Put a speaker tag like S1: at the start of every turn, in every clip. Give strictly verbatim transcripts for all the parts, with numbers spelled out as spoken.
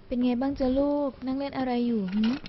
S1: เป็นไงบ้างจ๊ะลูกนั่งเล่นอะไรอยู่หืม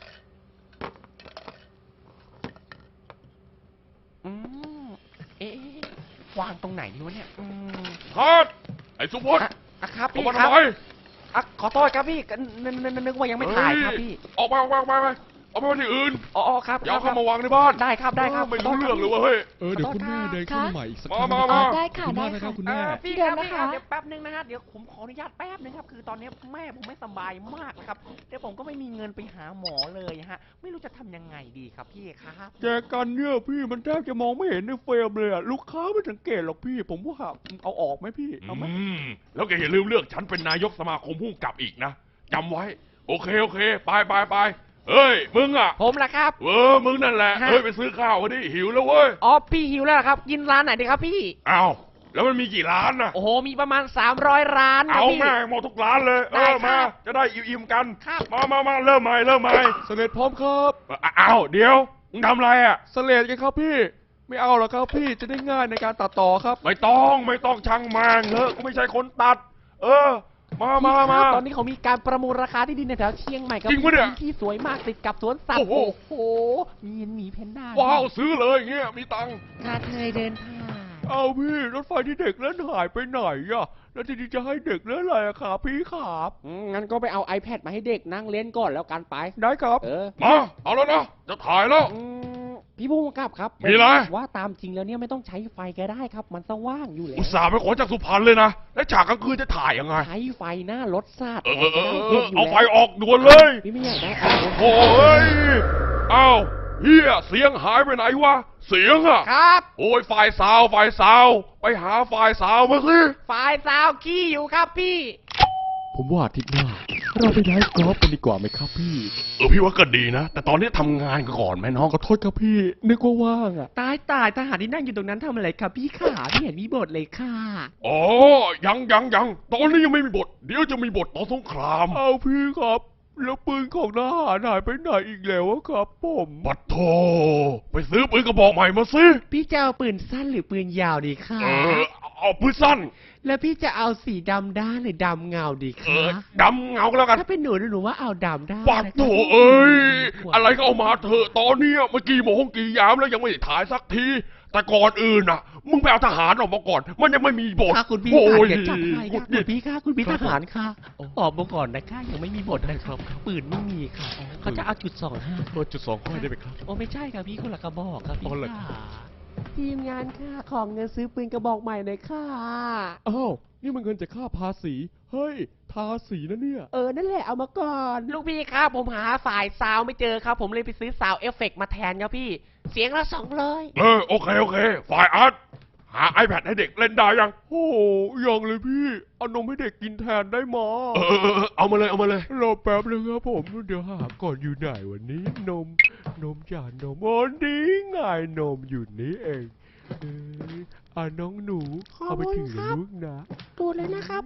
S2: อืมเอ๊ะวางตรงไหนดีวะเนี่ยอืม
S3: คัดไอ้สุพจน์
S2: อ่ะอ่ะครับ
S3: ออก
S2: พี่
S3: มา
S2: ครั
S3: ทำ
S2: บ
S3: ไม
S2: อ่ะขอโทษครับพี่ก็นึกนึกนึกนึกว่ายังไม่ถ่ายครับพี่
S3: ออกมาออกมาออกมาออกมาที่อื่น
S2: อ๋ออ๋อครับ
S3: อย่าเอา
S2: ครั
S3: เข้า
S2: บ
S3: มาวางในบ้าน
S2: ได้ครับได้ครับ
S3: ไม่รู้
S2: ขโทษ
S3: เรื่องเลย
S2: คบ
S3: เว้ย
S4: เออเดี๋ยวคุณแม่เดินเข้ามาใหม่อีกสักครั้ง
S3: มา
S4: นะครับ
S3: มา
S1: อ๋
S3: มา
S1: อได้ค่ะ
S4: ขอบคุณ
S1: ได้
S4: มากนะครับ
S1: ค่ะ
S4: คุณ
S2: เอ
S4: แม่
S2: อพี่
S1: เดี๋
S2: ค
S1: ยว
S2: รับ
S1: นะ
S2: พี่ครั
S1: คะ
S2: บเดี๋ยวแป๊บนึงนะฮะเดี๋ยวผมขออนุญาตแป๊บนึงครับคือตอนนี้แม่ผมไม่สบายมากนะครับเดี๋ยวผมก็ไม่มีเงินไปหาหมอเลยฮะไม่รู้จะทำยังไงดีครับพี่ครับ
S4: แจกันเนี่ยพี่มันแทบจะมองไม่เห็นในเฟรมเลยอะลูกค้าไม่สังเกตหรอกพี่ ผมว่าเอาออกไหมพี่เอาไหม
S3: อืมแล้วแกอย่าลืมเลือกฉันเป็นนายกสมาคมผู้กำกับอีกนะจำไว้ โอเคโอเค ไปไปไปเฮ้ยมึงอ่ะ
S2: ผมละครับ
S3: เออมึงนั่นแหละ
S2: ฮะ
S3: เฮ้ยไปซื้อข้าวมาดิหิวแล้วเว้ย
S2: อ๋อพี่หิวแล้วเหรอครับกินร้านไหนดีครับพี่
S3: อ้าวแล้วมันมีกี่ร้านน่ะ
S2: โอ้โหมีประมาณสามร้อยร้านครับ
S3: เอา
S2: พี่
S3: แม่งหมดทุกร้านเลยเอ
S2: ได้
S3: อ
S2: ครั
S3: มา
S2: บ
S3: จะได้อิ่มๆกัน
S2: ครับ
S3: มามามาเริ่มใหม่เริ่มใหม่
S4: เสลดพร้อมครับ
S3: อ้าวเดี๋ยวมึงทำอะไรอ่ะ
S4: เสลดกันครับพี่ ไม่เอาหรอกครับพี่จะได้ง่ายในการตัดต่อครับ
S3: ไม่ต้องไม่ต้องช่างแมงเลอะกูไม่ใช่คนตัด เออ มามามา
S2: ตอนนี้เขามีการประมูลราคาที่ดินในแถวเชียงใหม่ครับ
S3: จริงปะเนี่ย
S2: ที่สวยมากติดกับสวนสัตว์
S3: โอ้
S2: โอ้
S3: โห
S2: โหมีเห็นหมีแพนด้า
S3: ว้าวซื้อเลยเงี้ยมีตังค์
S2: ข้าเคยเดินผ่าน
S4: เอาพี่รถไฟที่เด็กเล่นหายไปไหนอะแล้วทีนี้จะให้เด็กเล่นอะไรอะครับพี่ครับ
S2: อืมงั้นก็ไปเอา iPad มาให้เด็กนั่งเล่นก่อนแล้วกันไป
S4: ได้ครับ
S2: เออ
S3: มาเอาแล้วนะจะถ่ายแล้ว
S2: อืมพี่ผู้กำกับครับ
S3: มีอะไร
S2: ว่าตามจริงแล้วเนี่ยไม่ต้องใช้ไฟก็ได้ครับ มันสว่างอยู่แล้ว
S3: อุตส่าห์ไปขอจากสุพรรณเลยนะแล้วฉากกลางคืนจะถ่ายยังไง
S2: ใช้ไฟหน้ารถซาด
S3: เออเออเออเอ
S2: เห็
S3: อน
S2: อยู่
S3: เอาไฟ
S2: แล้ว
S3: ออกด่วนเลย
S2: พี่ไม่อยากได้เอา
S3: โอ้ยเอ้าเฮียเสียงหายไปไหนวะเสียงอะ
S2: ครับ
S3: โอ้ยฝ่ายสาวฝ่ายสาวไปหาฝ่ายสาวมาสิ
S2: ไฟสาวขี้อยู่ครับพี่
S4: ผมว่าอาทิตย์หน้า เราไปไลฟ์กอล์ฟกันดีกว่าไหมครับพี่
S3: เออพี่ว่าก็ดีนะ แต่ตอนนี้ทำงานก่อนไหมน้อง
S4: ขอโทษครับพี่ นึกว่าว่างอะ
S2: ตายตายทหารที่นั่งอยู่ตรงนั้นทำอะไรครับพี่ขาไม่เห็นมีบทเลยค่ะ
S3: อ๋อยังยังยังตอนนี้ยังไม่มีบท เดี๋ยวจะมีบทตอนสงคราม
S4: เอาพี่ครับ แล้วปืนของทหารหายไปไหนอีกแล้วอะครับ ผม
S3: ปัดโทไปซื้อปืนกระบอกใหม่มาสิ
S2: พี่จะเอาปืนสั้นหรือปืนยาวดีค่ะ
S3: เออเอาปืนสั้น
S2: แล้วพี่จะเอาสีดำด้านหรือดำเงาดี
S3: เอ
S2: คะ
S3: อดำเงาก็แล้วกัน
S2: ถ้าเป็นหนูหนูว่าเอาดำด้าน
S3: ปัด
S2: นะคะ
S3: โถเอ้ยอะไรก็เอามาเถอะตอนเนี้ยเมื่อกี้โมงกี่ยามแล้วยังไม่ได้ถ่ายสักที แต่ก่อนอื่นน่ะ มึงไปเอาทหารออกมาก่อน มันยังไม่มีบท
S2: ค่ะคุณพี่
S3: โอ้
S2: ค่ะ
S3: ย
S2: เดี๋ยวจัดให้
S3: กุ
S2: ค่ะ
S3: ด
S2: คุ
S3: ดิ
S2: ณพี่ค่ะคุณพี่ทหารค่ะออกมาก่อนนะคะยังไม่มีบทนะครับปืนไม่มีค่ะเขาจะเอาจุดสองห้า
S4: เปิดจุดสองค่อยได้ไหมครับ
S2: โอ้ไม่ใช่ค่ะพี่คนละกระบอกครับ
S4: อ๋อ
S2: พี่
S4: เหรอ
S2: ค่ะทีมงานค่ะของเงินซื้อปืนกระบอกใหม่เลยค่ะ
S4: อ้าว นี่มันเงินจากค่าภาษี เฮ้ย ทาสีนะเนี่ย
S2: เออนั่นแหละเอามาก่อนลูกพี่ครับผมหาสายซาวไม่เจอครับ ผมเลยไปซื้อซาวเอฟเฟกต์มาแทนครับพี่ เสียงละสองเลย
S3: เออโอเคโอเค ฝ่ายอาร์ตหา iPad ให้เด็กเล่นได้ยัง
S4: โอ้โหยังเลยพี่ เอานมให้เด็กกินแทนได้มา
S3: เออเออเออเอามาเลยเอามาเลย
S4: รอแป๊บนึงครับผม เดี๋ยวหาก่อนอยู่ไหนวันนี้ นม นมจ่านมอ๋อนี่ไงนมอยู่นี่เองเอออ่าน้องหนู เอาไปถือนะลูกนะ
S2: ดูเลยนะครับ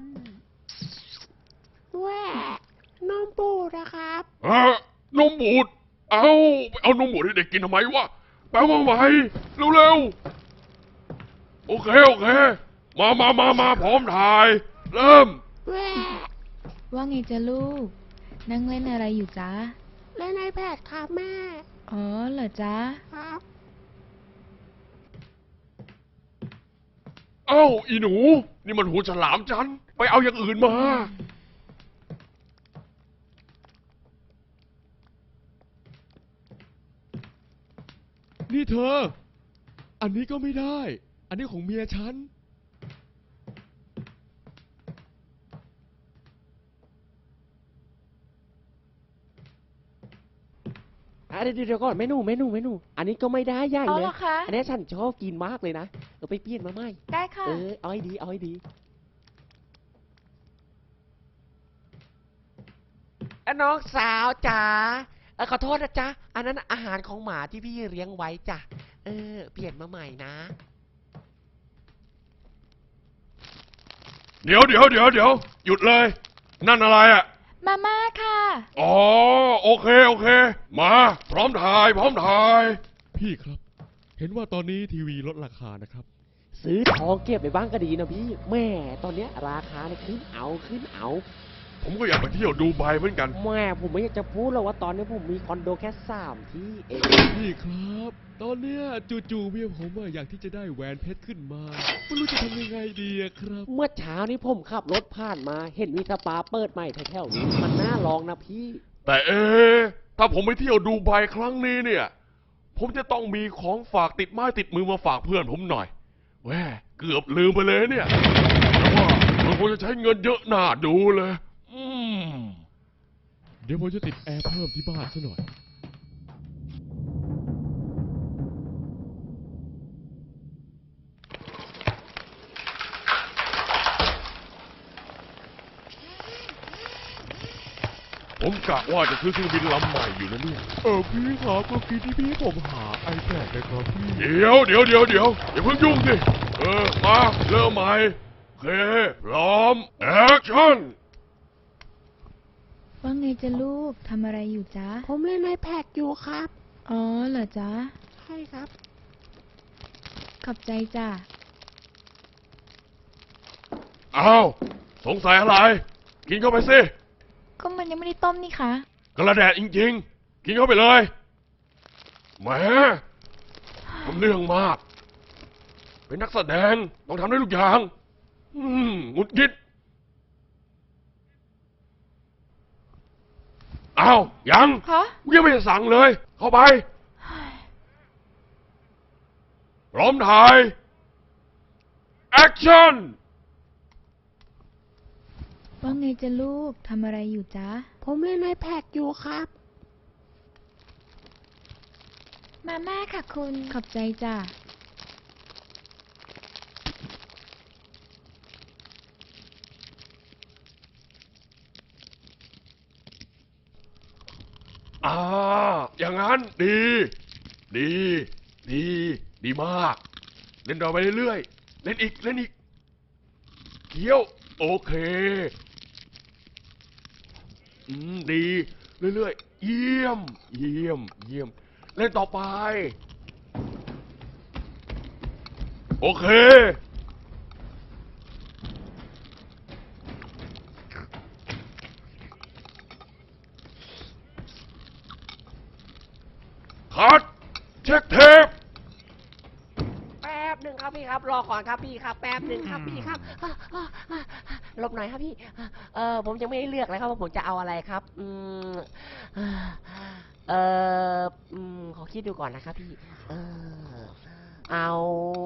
S2: แหว่นมปูนะครับ
S3: เออนมบูด เอาไปเอานมบูดให้เด็กกินทำไมวะแปลว่าไงเร็วๆ โอเคโอเค มามามามาพร้อมถ่าย เริ่ม
S2: แหว่
S1: ว่าไงจ๊ะลูก นั่งเล่นอะไรอยู่จ๊ะ
S2: เล่นไอแพดครับแม่
S1: อ๋อเหรอจ๊ะ
S2: ครับ
S3: เอ้าอีหนู นี่มันหูฉลามฉัน ไปเอาอย่างอื่นมา
S4: นี่เธอ อันนี้ก็ไม่ได้ อันนี้ของเมียฉัน
S2: อ่ะเดี๋ยวเดี๋ยวก่อนเมนูเมนูเมนูอันนี้ก็ไม่ได้ย่าง
S1: เอา
S2: เล
S1: เห
S2: ย
S1: รอคะ
S2: อันนี้ฉันชอบกินมากเลยนะเออไปเปลี่ยนมาใหม่
S1: ได้ค่ะ
S2: เออเอาให้ดีเอาให้ดีน้องสาวจ๋าเออขอโทษนะจ๊ะอันนั้นอาหารของหมาที่พี่เลี้ยงไว้จ้ะเออเปลี่ยนมาใหม่นะ
S3: เดี๋ยวเดี๋ยวเดี๋ยวเดี๋ยวหยุดเลย นั่นอะไรอ่ะ
S1: มาม่าค่ะ
S3: อ๋อโอเคโอเค มา พร้อมถ่ายพร้อมถ่าย
S4: พี่ครับ เห็นว่าตอนนี้ทีวีลดราคานะครับ
S2: ซื้อทองเก็บไปบ้างก็ดีนะพี่แม่ตอนเนี้ยราคาเนี่ยขึ้นเอาขึ้นเอา
S3: ผมก็อยากไปเที่ยวดูไบเหมือนกัน
S5: แม่ผมไม่อยากจะพูดหรอกว่าตอนนี้ผมมีคอนโดแค่สามที่เอง
S4: พี่ครับ ตอนเนี้ยจู่ๆเมียผมอะอยากที่จะได้แหวนเพชรขึ้นมาไม่รู้จะทำยังไงดีอะครับ
S5: เมื่อเช้านี้ผมขับรถผ่านมา เห็นมีสปาเปิดใหม่แถวๆนี้มันน่าลองนะพี่
S3: แต่เอ๊ะถ้าผมไปเที่ยวดูไบครั้งนี้เนี่ย ผมจะต้องมีของฝากติดไม้ติดมือมาฝากเพื่อนผมหน่อยแหวเกือบลืมไปเลยเนี่ยแต่ว่ามันคงจะใช้เงินเยอะหน้าดูเลย อืม
S4: เดี๋ยวผมจะติดแอร์เพิ่มที่บ้านซะหน่อย
S3: ผมกะว่าจะซื้อเครื่องบินลำใหม่อยู่นะเนี่ย
S4: เออพี่ครับเมื่อกี้ที่พี่ผมหา iPad นะครับพี่
S3: เดี๋ยวเดี๋ยวเดี๋ยวเดี๋ยวอย่าเพิ่งยุ่งสิ เออ มาเริ่มใหม่โอเคพร้อม แอคชั่น
S1: ว่าไงจ๊ะลูกทำอะไรอยู่จ๊ะ
S5: ผมเล่นไอแพดอยู่ครับ
S1: อ๋อเหรอจ๊ะ
S5: ใช่ครับ
S1: ขอบใจจ้ะ
S3: อ้าว สงสัยอะไร กินเข้าไปสิ
S1: ก็มันยังไม่ได้ต้มนี่คะ
S3: กระแดดจริงๆ กินเข้าไปเลยแหมทำเรื่องมาก เป็นนักแสดงต้องทำได้ทุกอย่าง อืมหงุดหงิดอ้าว ยัง
S1: ฮะ
S3: กูยังไม่ได้สั่งเลย เข้าไป พร้อมถ่าย แอคชั่น
S1: ว่าไงจ๊ะลูกทำอะไรอยู่จ๊ะ
S5: ผมเล่นไอแพดอยู่ครับ
S1: มาม่าค่ะคุณ ขอบใจจ้ะ
S3: อ่า อย่างนั้นดี ดี ดี ดีมาก เล่นต่อไปเรื่อยๆ เล่นอีก เล่นอีกเคี้ยว โอเค อืม ดี เรื่อยๆ เยี่ยม เยี่ยม เยี่ยม เล่นต่อไป โอเค คัด เช็คเทป
S5: แป๊บหนึ่งครับพี่ครับ รอก่อนครับพี่ครับ แป๊บหนึ่งครับพี่ครับอ่ะอ่ะอ่ะหลบหน่อยครับพี่ เออผมยังไม่ได้เลือกเลยครับว่าผมจะเอาอะไรครับ อืมเอออืมขอคิดดูก่อนนะครับพี่ เออเอา